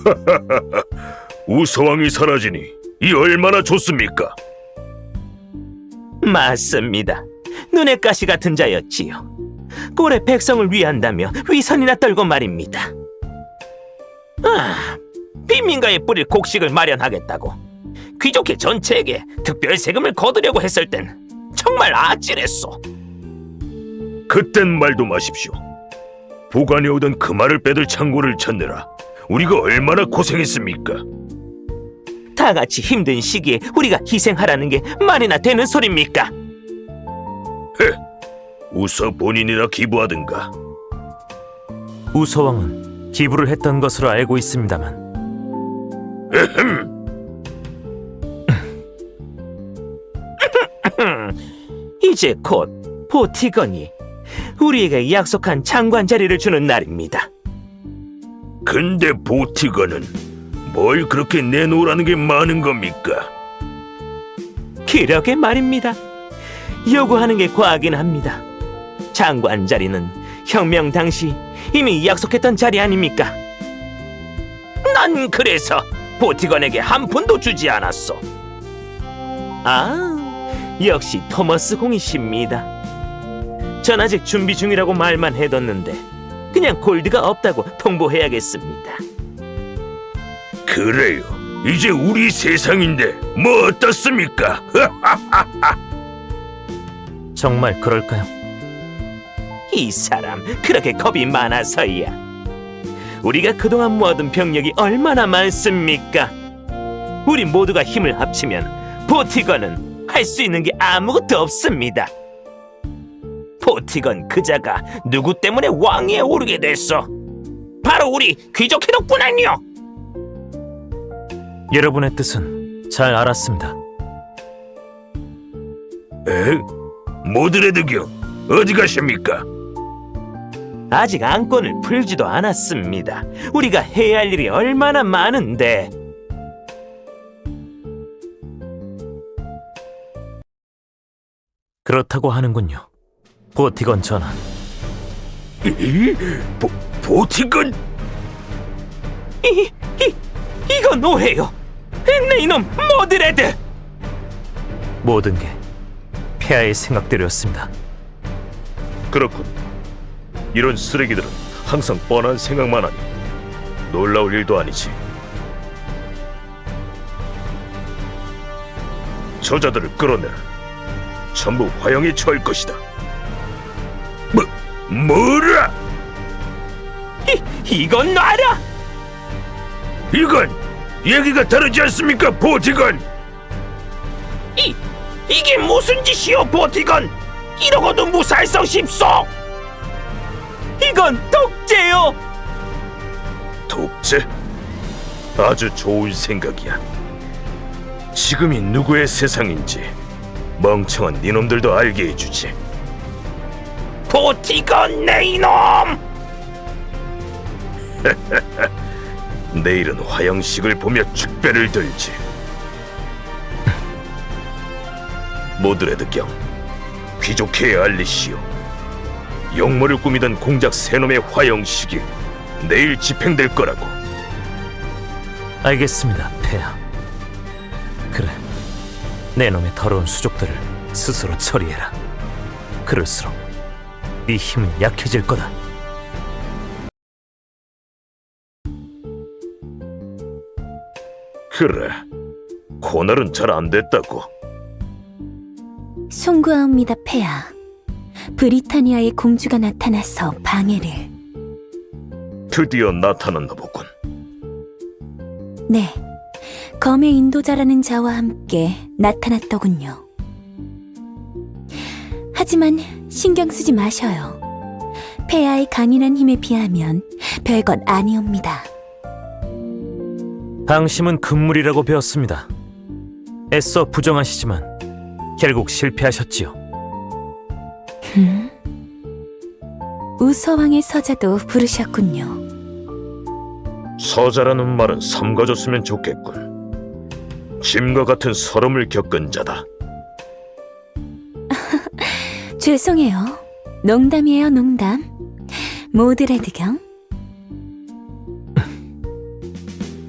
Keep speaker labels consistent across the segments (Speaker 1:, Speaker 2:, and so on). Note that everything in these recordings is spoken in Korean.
Speaker 1: 우서왕이 사라지니 이 얼마나 좋습니까?
Speaker 2: 맞습니다. 눈의 가시 같은 자였지요. 꼴의 백성을 위한다며 위선이나 떨고 말입니다. 빈민가에 뿌릴 곡식을 마련하겠다고 귀족회 전체에게 특별 세금을 거두려고 했을 땐 정말 아찔했소.
Speaker 1: 그땐 말도 마십시오. 보관해 오던 그 말을 빼들 창고를 찾느라 우리가 얼마나 고생했습니까?
Speaker 2: 다 같이 힘든 시기에 우리가 희생하라는 게 말이나 되는 소립니까?
Speaker 1: 우서 본인이나 기부하든가.
Speaker 3: 우서왕은 기부를 했던 것으로 알고 있습니다만
Speaker 2: 이제 곧 보티건이 우리에게 약속한 장관 자리를 주는 날입니다.
Speaker 1: 근데 보티건은 뭘 그렇게 내놓으라는 게 많은 겁니까?
Speaker 2: 그러게 말입니다. 요구하는 게 과하긴 합니다. 장관 자리는 혁명 당시 이미 약속했던 자리 아닙니까? 난 그래서 보티건에게 한 푼도 주지 않았어. 역시 토머스 공이십니다. 전 아직 준비 중이라고 말만 해뒀는데 그냥 골드가 없다고 통보해야겠습니다.
Speaker 1: 그래요. 이제 우리 세상인데 뭐 어떻습니까?
Speaker 3: 정말 그럴까요?
Speaker 2: 이 사람 그렇게 겁이 많아서야. 우리가 그동안 모아둔 병력이 얼마나 많습니까? 우리 모두가 힘을 합치면 보티건은 할 수 있는 게 아무것도 없습니다. 보티건 그자가 누구 때문에 왕위에 오르게 됐어? 바로 우리 귀족회 덕분 아니요?
Speaker 3: 여러분의 뜻은 잘 알았습니다.
Speaker 1: 모드레드경 어디 가십니까?
Speaker 2: 아직 안건을 풀지도 않았습니다. 우리가 해야 할 일이 얼마나 많은데.
Speaker 3: 그렇다고 하는군요. 보티건 전하.
Speaker 1: 보티건?
Speaker 2: 이건 오해요. 내 이놈 모드레드.
Speaker 3: 모든 게 폐하의 생각대로였습니다.
Speaker 1: 그렇군. 이런 쓰레기들은 항상 뻔한 생각만 하니 놀라울 일도 아니지. 저자들을 끌어내라. 전부 화형에 처할 것이다. 뭐라?
Speaker 2: 이건 놔라.
Speaker 1: 이건 얘기가 다르지 않습니까, 보티건?
Speaker 2: 이게 무슨 짓이오, 보티건? 이러고도 무사할 수 싶소. 이건 독재요.
Speaker 1: 독재? 아주 좋은 생각이야. 지금이 누구의 세상인지 멍청한 니놈들도 알게 해주지.
Speaker 2: 보티건 내 이놈!
Speaker 1: 내일은 화형식을 보며 축배를 들지. 모드레드경, 귀족회에 알리시오. 용모를 꾸미던 공작 세놈의 화형식이 내일 집행될 거라고.
Speaker 3: 알겠습니다, 폐하. 그래, 내 놈의 더러운 수족들을 스스로 처리해라. 그럴수록 네 힘은 약해질 거다.
Speaker 1: 그래, 고날은 잘 안 됐다고.
Speaker 4: 송구하옵니다, 폐하. 브리타니아의 공주가 나타나서 방해를.
Speaker 1: 드디어 나타났나 보군.
Speaker 4: 네, 검의 인도자라는 자와 함께 나타났더군요. 하지만 신경 쓰지 마셔요. 폐하의 강인한 힘에 비하면 별것 아니옵니다.
Speaker 3: 방심은 금물이라고 배웠습니다. 애써 부정하시지만 결국 실패하셨지요.
Speaker 4: 우서왕의 서자도 부르셨군요.
Speaker 1: 서자라는 말은 삼가줬으면 좋겠군. 짐과 같은 서름을 겪은 자다.
Speaker 4: 죄송해요. 농담이에요, 농담. 모드레드경.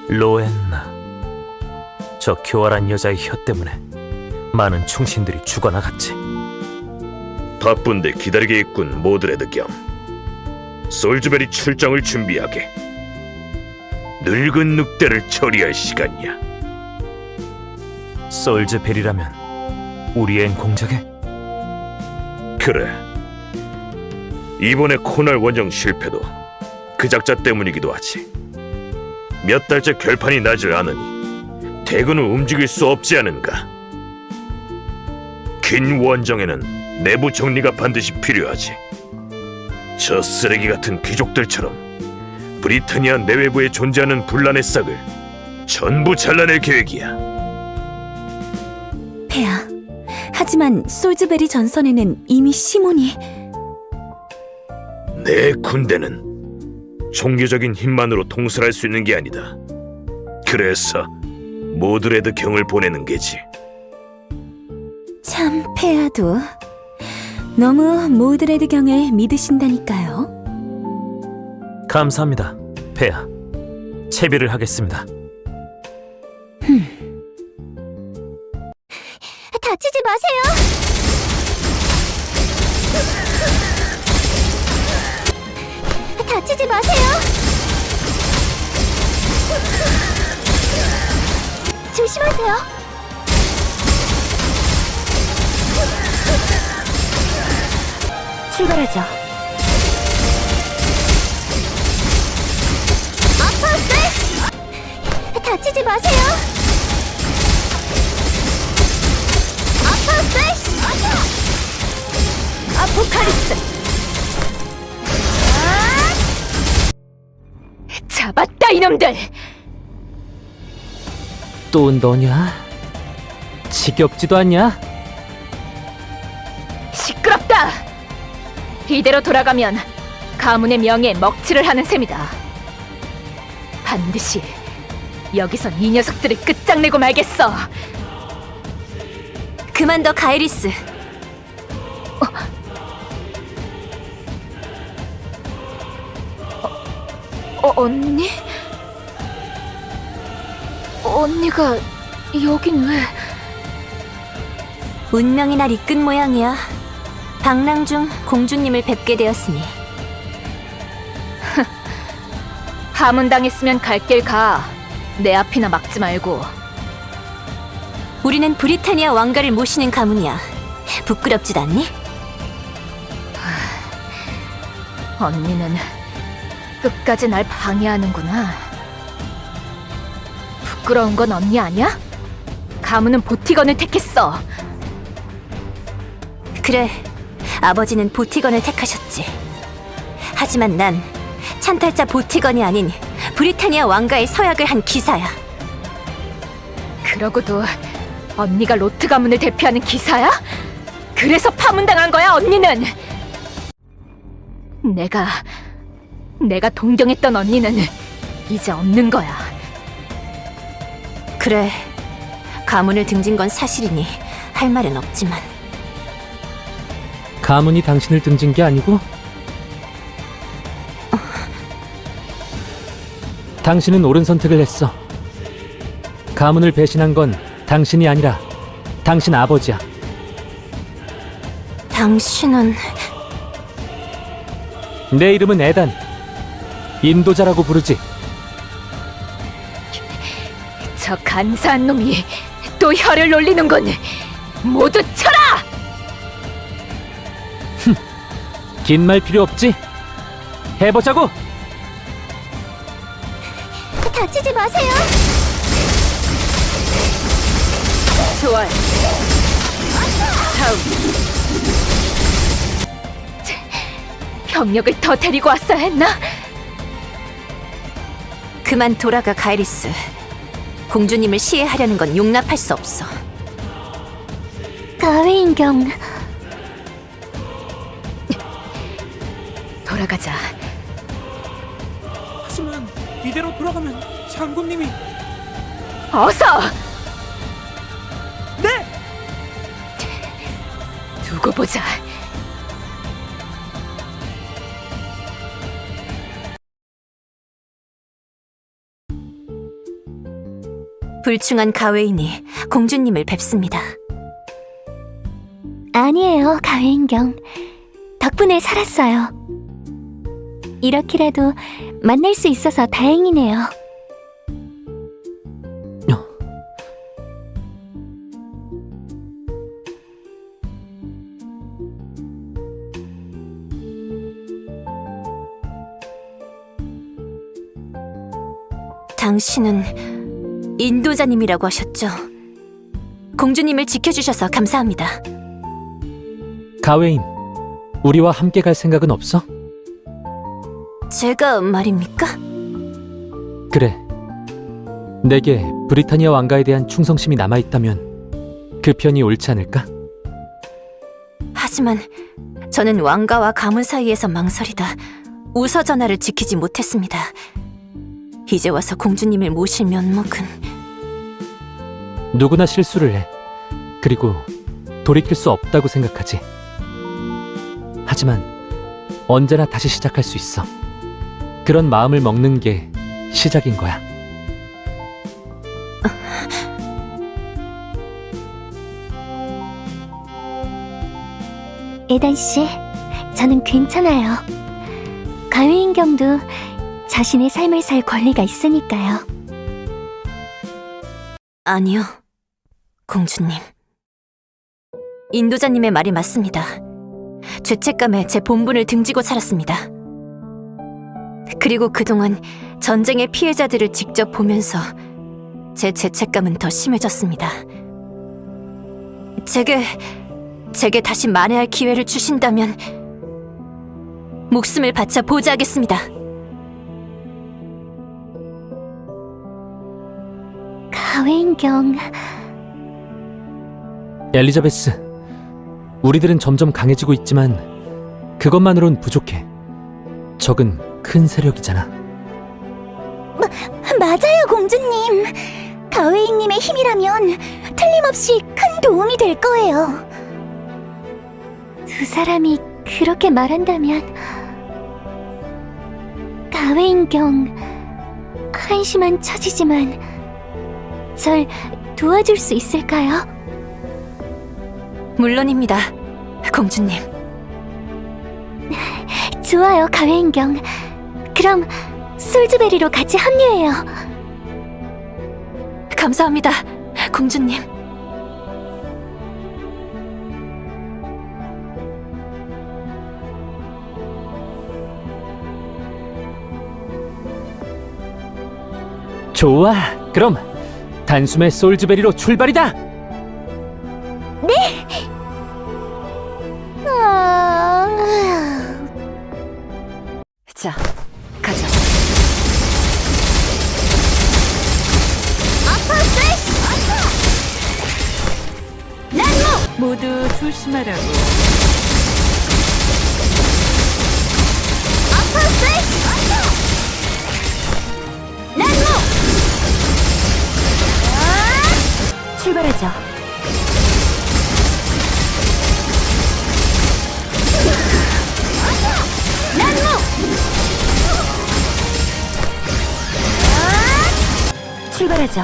Speaker 3: 로엔나. 저 교활한 여자의 혀 때문에 많은 충신들이 죽어나갔지.
Speaker 1: 바쁜데 기다리게 있군, 모드레드 겸. 솔즈베리 출정을 준비하게. 늙은 늑대를 처리할 시간이야.
Speaker 3: 솔즈벨이라면 우리의 공작에?
Speaker 1: 그래. 이번에 코날 원정 실패도 그 작자 때문이기도 하지. 몇 달째 결판이 나질 않으니 대군을 움직일 수 없지 않은가. 긴 원정에는 내부 정리가 반드시 필요하지. 저 쓰레기 같은 귀족들처럼 브리타니아 내외부에 존재하는 분란의 싹을 전부 잘라낼 계획이야.
Speaker 4: 폐하, 하지만 솔즈베리 전선에는 이미 시몬이...
Speaker 1: 내 군대는 종교적인 힘만으로 통솔할 수 있는 게 아니다. 그래서 모드레드 경을 보내는 게지.
Speaker 4: 참, 폐하도 너무 모드레드 경을 믿으신다니까요.
Speaker 3: 감사합니다, 폐하. 채비를 하겠습니다.
Speaker 4: 다치지 마세요. 다치지 마세요. 조심하세요. 출발하죠. 아파스! 다치지 마세요. 아파스! 아포칼립스! 잡았다, 이놈들!
Speaker 5: 또 너냐? 지겹지도 않냐?
Speaker 6: 시끄럽다! 이대로 돌아가면 가문의 명예에 먹칠을 하는 셈이다. 반드시 여기선 이 녀석들을 끝장내고 말겠어.
Speaker 4: 그만둬, 가이리스.
Speaker 6: 언니? 언니가 여긴 왜?
Speaker 4: 운명의 날 이끈 모양이야. 방랑 중 공주님을 뵙게 되었으니.
Speaker 6: 하문당했으면 갈 길 가. 내 앞이나 막지 말고.
Speaker 4: 우리는 브리타니아 왕가를 모시는 가문이야. 부끄럽지도 않니?
Speaker 6: 언니는 끝까지 날 방해하는구나. 부끄러운 건 언니 아니야? 가문은 보티건을 택했어.
Speaker 4: 그래, 아버지는 보티건을 택하셨지. 하지만 난 찬탈자 보티건이 아닌 브리타니아 왕가의 서약을 한 기사야.
Speaker 6: 그러고도 언니가 로트 가문을 대표하는 기사야? 그래서 파문당한 거야, 언니는! 내가 동경했던 언니는 이제 없는 거야.
Speaker 4: 그래, 가문을 등진 건 사실이니 할 말은 없지만.
Speaker 5: 가문이 당신을 등진 게 아니고? 당신은 옳은 선택을 했어. 가문을 배신한 건 당신이 아니라 당신 아버지야.
Speaker 4: 당신은...
Speaker 5: 내 이름은 에단. 인도자라고 부르지.
Speaker 6: 저 간사한 놈이 또 혀를 놀리는군. 모두 쳐라!
Speaker 5: 긴 말 필요 없지? 해보자고!
Speaker 4: 다치지 마세요.
Speaker 6: 좋아요. 다음. 병력을 더 데리고 왔어야 했나?
Speaker 4: 그만 돌아가, 가이리스. 공주님을 시해하려는 건 용납할 수 없어. 가웨인경...
Speaker 6: 돌아가자.
Speaker 5: 하지만 이대로 돌아가면 장군님이...
Speaker 6: 어서! 네! 두고 보자.
Speaker 4: 불충한 가웨인이 공주님을 뵙습니다.
Speaker 7: 아니에요, 가회인경. 덕분에 살았어요. 이렇게라도 만날 수 있어서 다행이네요.
Speaker 4: 당신은 인도자님이라고 하셨죠? 공주님을 지켜주셔서 감사합니다.
Speaker 5: 가웨인, 우리와 함께 갈 생각은 없어?
Speaker 4: 제가 말입니까?
Speaker 5: 그래. 내게 브리타니아 왕가에 대한 충성심이 남아있다면 그 편이 옳지 않을까?
Speaker 4: 하지만 저는 왕가와 가문 사이에서 망설이다 우서 전하를 지키지 못했습니다. 이제 와서 공주님을 모실 면목은
Speaker 5: 누구나 실수를 해. 그리고 돌이킬 수 없다고 생각하지. 하지만 언제나 다시 시작할 수 있어. 그런 마음을 먹는 게 시작인 거야.
Speaker 7: 에단 씨, 저는 괜찮아요. 가회인경도 자신의 삶을 살 권리가 있으니까요.
Speaker 4: 아니요, 공주님. 인도자님의 말이 맞습니다. 죄책감에 제 본분을 등지고 살았습니다. 그리고 그동안 전쟁의 피해자들을 직접 보면서 제 죄책감은 더 심해졌습니다. 제게 다시 만회할 기회를 주신다면 목숨을 바쳐 보좌하겠습니다.
Speaker 7: 가회인경,
Speaker 5: 엘리자베스, 우리들은 점점 강해지고 있지만 그것만으론 부족해. 적은 큰 세력이잖아.
Speaker 7: 맞아요, 공주님. 가웨인님의 힘이라면 틀림없이 큰 도움이 될 거예요. 두 사람이 그렇게 말한다면 가웨인경, 한심한 처지지만 절 도와줄 수 있을까요?
Speaker 4: 물론입니다, 공주님.
Speaker 7: 좋아요, 가회인경. 그럼 솔즈베리로 같이 합류해요.
Speaker 4: 감사합니다, 공주님.
Speaker 5: 좋아, 그럼 단숨에 솔즈베리로 출발이다!
Speaker 4: 자, 가자. 모두 조심하라고. 출발하죠. 출발하죠.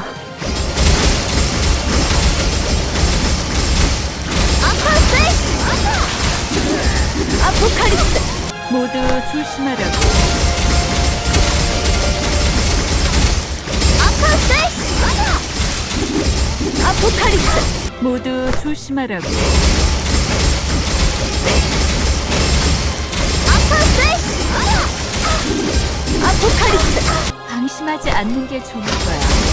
Speaker 4: 아포칼립스! 모두 조심하라고. 아포칼립스! 모두 조심하라고. 아포칼립스! 방심하지 않는 게 좋을 거야.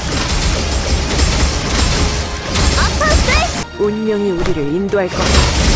Speaker 4: 운명이 우리를 인도할 거야.